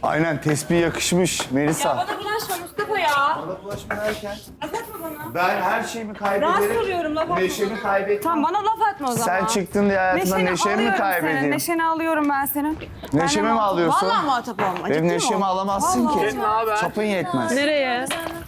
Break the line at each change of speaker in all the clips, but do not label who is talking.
Aynen tespih yakışmış Melisa.
Ya bana bulaşma Mustafa ya.
Bana bulaşma derken
Laf atma bana.
ben her şeyimi
Rahat
kaybederim.
soruyorum, laf atma.
Neşemi kaybettim.
Tamam bana laf atma o zaman.
Sen çıktın diye hayatımdan neşemi mi
alıyorum
kaybedeyim?
senin. Neşeni alıyorum ben senin.
Neşemi mi alıyorsun?
Vallahi muhatap olma.
Benim neşemi alamazsın
Vallahi.
ki. Çapın yetmez.
Nereye?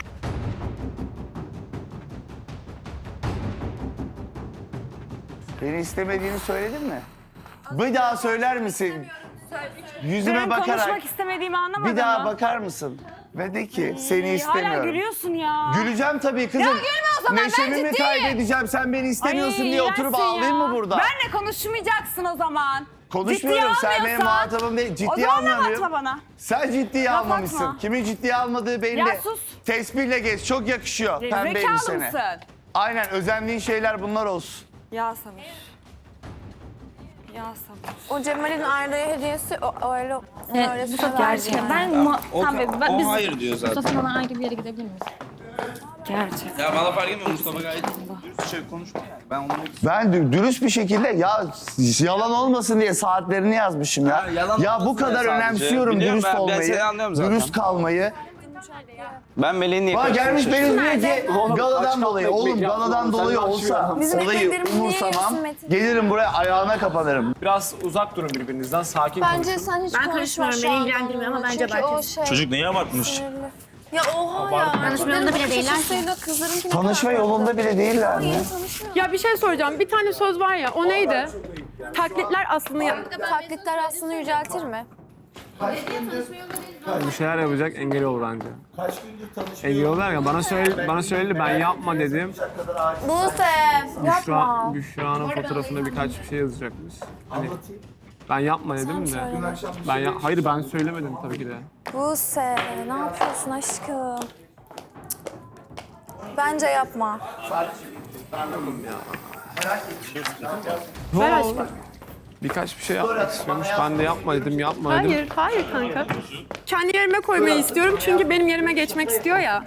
Beni istemediğini söyledin mi? Bir daha söyler misin? Yüzüme
Benim
bakarak
konuşmak istemediğimi anlamadın
bir daha
mı?
bakar mısın? Ve de ki seni
Hala
istemiyorum.
gülüyorsun ya.
Güleceğim tabii kızım.
Ya gülme o zaman, ben
Neşemi mi
ciddiyim.
kaybedeceğim? Sen beni istemiyorsun
Ay,
diye oturup
iğrençsin
ağlayayım
ya.
mı burada?
Benle konuşmayacaksın o zaman.
Konuşmuyorum.
Ciddiye
Sen benim
almıyorsan-
muhatabım değil.
O
Ciddiye
zaman laf
almıyorum.
atma bana.
Sen ciddiye
Laf
almamışsın.
atma.
Kimin ciddiye almadığı belli.
Ya sus.
Tespihle geç. Çok yakışıyor pembe
Zekalı
elbisene.
mısın?
Aynen özendiğin şeyler bunlar olsun.
Ya sabır. Ya sabır.
O Cemal'in Arda'ya hediyesi öyle
Mustafa gerçekten ben biz
hayır diyor zaten.
Mustafa bana ayrı bir yere gidebilir miyiz?
Gerçekten.
Ya bana fark etmiyor, Mustafa gayet dürüst şey konuşma yani. Ben onu
Ben dürüst bir şekilde ya yalan olmasın diye saatlerini yazmışım ya.
Ha, yalan
Ya bu
olmasın
kadar
diye sadece.
önemsiyorum
Biliyorum
dürüst
ben
olmayı.
seni anlıyorum zaten.
Dürüst kalmayı.
ben Melih'in niye
Bana gelmiş
karıştırmışım?
benim diyor ki galadan dolayı. Oğlum galadan dolayı olsa
Bizim
olayı
ekmeklerimiz niye
umursamam.
yiyorsun Metin?
Gelirim buraya ayağına kapanırım.
Biraz uzak durun birbirinizden, sakin
Bence
konuşun.
sen hiç
Ben
konuşma
karışmıyorum,
şu
beni
anda
ilgilendirmiyor ama
onunla.
bence
Çünkü o
abartıyorsun.
şey
Çocuk neye abartmış?
sinirli. Ya oha ya.
Tanışmalarında bile değiller ki.
Kızlarınki ne
Tanışma
kadar
yolunda bile değiller mi?
Ya bir şey soracağım. Bir tane söz var ya, o neydi? Taklitler aslında...
taklitler aslında yüceltir mi?
Bir şeyler yapacak, engel olur anca. Engel olur ya, bana söyledi, ben yapma dedim.
Buse yapma.
Büşra'nın fotoğrafında birkaç bir şey yazacakmış. Hani ben yapma dedim de. Hayır ben söylemedim tabii ki de.
Buse ne yapıyorsun aşkım? Bence yapma.
Ver aşkım.
Birkaç bir şey yapmak istiyormuş. Ben de yapma dedim, yapma dedim.
Hayır, hayır kanka. Kendi yerime koymayı istiyorum çünkü benim yerime geçmek istiyor ya.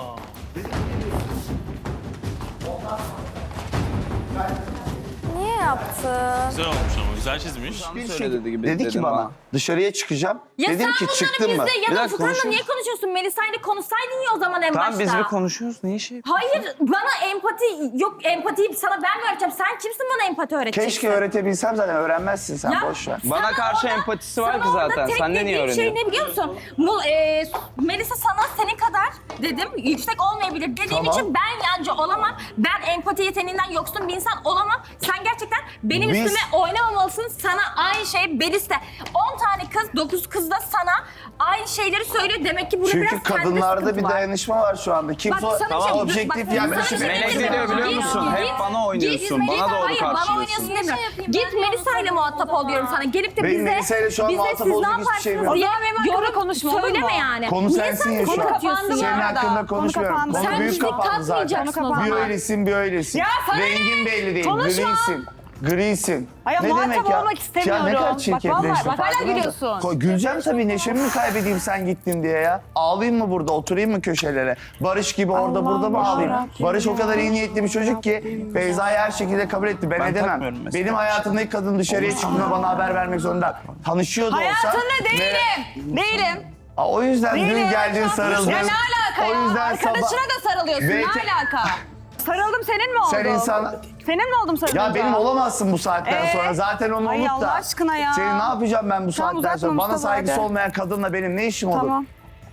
Niye yaptın?
Güzel olmuş ama güzel çizmiş.
Söyle gibi
Dedi ki
dedim
bana
ha.
dışarıya çıkacağım.
Ya
Dedim
sen
ki çıktın mı?
bunları bizle
Biraz
yanına tutanla
konuşalım.
niye konuşuyorsun? Melisa'yla konuşsaydın ya o zaman en
Tamam
başta.
biz bir konuşuyoruz. Niye şey?
Hayır bana empati yok, empatiyi sana ben mi öğreteceğim? Sen kimsin bana empati öğreteceksin?
Keşke öğretebilsem zaten öğrenmezsin sen
Ya,
boş ver.
Bana
sana
karşı
orada-
empatisi var
sana
ki
orada
zaten.
tek
Sen de niye
dediğim şey
öğreniyorsun?
ne biliyor musun? Melisa sana senin kadar dedim yüksek olmayabilir dediğim
Tamam.
için ben yancı olamam. Ben empati yeteneğinden yoksun bir insan olamam. Sen gerçekten benim
Biz-
üstüme oynamamalısın. Sana aynı şey Belis de 10 tane kız 9 kız da sana aynı şeyleri söylüyor. Demek ki burada biraz
Çünkü
sende
kadınlarda
sıkıntı
bir
var.
dayanışma var şu anda.
Bak
Kimse
sana bir şey-
objektif
bak,
yaklaşım
sana bir şey
Melek
diyeyim
ne diyor
mi?
biliyor
Git,
musun?
git,
Hep bana oynuyorsun.
git,
Bana doğru
hayır, bana
karşılıyorsun.
oynuyorsun deme. Git Melisa ile muhatap ol diyorum sana. Gelip de
Benim
bize,
Melisa'yla şu an
bize
muhatap
siz ne
olacak hiçbir şeyim
yaparsınız
yok.
diye yorum
konuşma, olur
söyleme
mu?
yani.
Konu
Niye
sensin
sen
ya şu
konu
an.
katıyorsun
Senin
ya?
hakkında konuşmuyorum.
kapandı.
Konu
Sen
büyük
bizi
kapandı zaten.
katmayacaksın o
Bir
zaman.
öylesin bir öylesin.
Ya sana ne?
Rengin belli değil.
Konuşma.
Grisin. Grisin.
Hayır, muhatap olmak istemiyorum.
Ya ne kadar
Bak
çirkefleştin.
vallahi, bak hala
farkında mısın?
gülüyorsun.
Güleceğim tabii. Neşemi mi kaybedeyim sen gittin diye ya? Ağlayayım mı burada? Oturayım mı köşelere? Barış gibi orada burada mı ağlayayım? Barış o kadar iyi niyetli bir çocuk ki Beyza'yı her şekilde kabul etti. Ben edemem.
takmıyorum mesela.
Benim hayatımdaki kadın dışarıya çıktığında bana haber vermek zorunda. Tanışıyordu olsa...
Hayatında değilim. Değilim.
O yüzden dün
Değilim.
geldin sarıldın.
Ya ne alaka
O
ya?
yüzden
Arkadaşına da sarılıyorsun.
Ve-
Ne alaka? Sarıldım senin mi oldu?
Sen insan...
Senin mi oldum sarılınca?
Ya benim olamazsın bu saatten sonra. Zaten onu
Ay
unut da.
Allah aşkına ya.
Senin ne yapacağım ben bu
Tamam,
saatten
uzatma
sonra? Bana
Mustafa,
saygısı
hadi.
olmayan kadınla benim ne işim olur?
Tamam.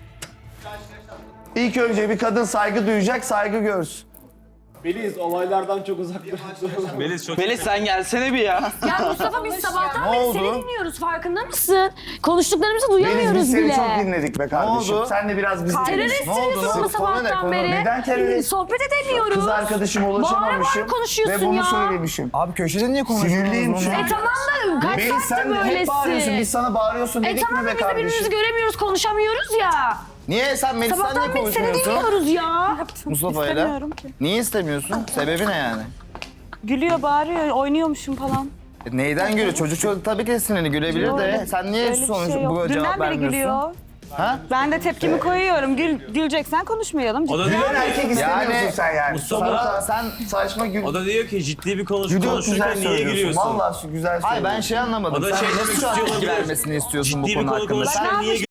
İlk önce bir kadın saygı duyacak, saygı görsün.
Beliz olaylardan çok uzak durun.
Melis çok
Melis sen gelsene bir ya.
Ya Mustafa biz sabahtan
Ne
beri
oldu?
seni dinliyoruz farkında mısın? Konuştuklarımızı
Biz
duyamıyoruz
seni
bile.
çok dinledik be kardeşim.
oldu?
Sen de biraz bizi
Terörist
dinle.
söylüyorsun bunu sabahtan beri.
Neden terörist?
Sohbet edemiyoruz.
Kız arkadaşıma ulaşamamışım
Bağıra konuşuyorsun
ve bunu
ya.
söylemişim.
Abi köşede niye konuşuyorsunuz?
Sinirliyim şu an.
Tamam da kaç
Beni
saattir
sen hep bağırıyorsun,
böylesin.
biz sana bağırıyorsun dedik
Tamam
mi
da
be
biz de birbirimizi
kardeşim?
göremiyoruz, konuşamıyoruz ya.
Niye sen Melisa'yla niye
Sabahtan beri seni
konuşmuyorsun?
dinliyoruz ya.
Mustafa'yla.
İstemiyorum ki.
Niye istemiyorsun? Sebebi ne yani?
Gülüyor, bağırıyor, oynuyormuşum falan.
Neyden gülüyor? Çocuk tabii ki sinirli gülebilir de. Sen niye
Öyle bir
sonuç
şey yok.
bu cevap
Dünden beri
vermiyorsun?
gülüyor.
Ha?
Ben de tepkimi koyuyorum. Güleceksen konuşmayalım.
O da
Gülen
diyor ki,
erkek istemiyorsun
Yani-
sen yani.
Mustafa-
Sen saçma
o da diyor ki ciddi bir
Gülüyor, güzel
konuşurken niye
söylüyorsun.
gülüyorsun?
Vallahi şu güzel söylüyorsun.
Hayır ben şey anlamadım.
O da
sen
şey
nasıl
demek
şu an
istiyor
tepki
olabilir.
vermesini istiyorsun
Ciddi
bu
bir
konu
konu
hakkında?
konuşurken
Ben ne
niye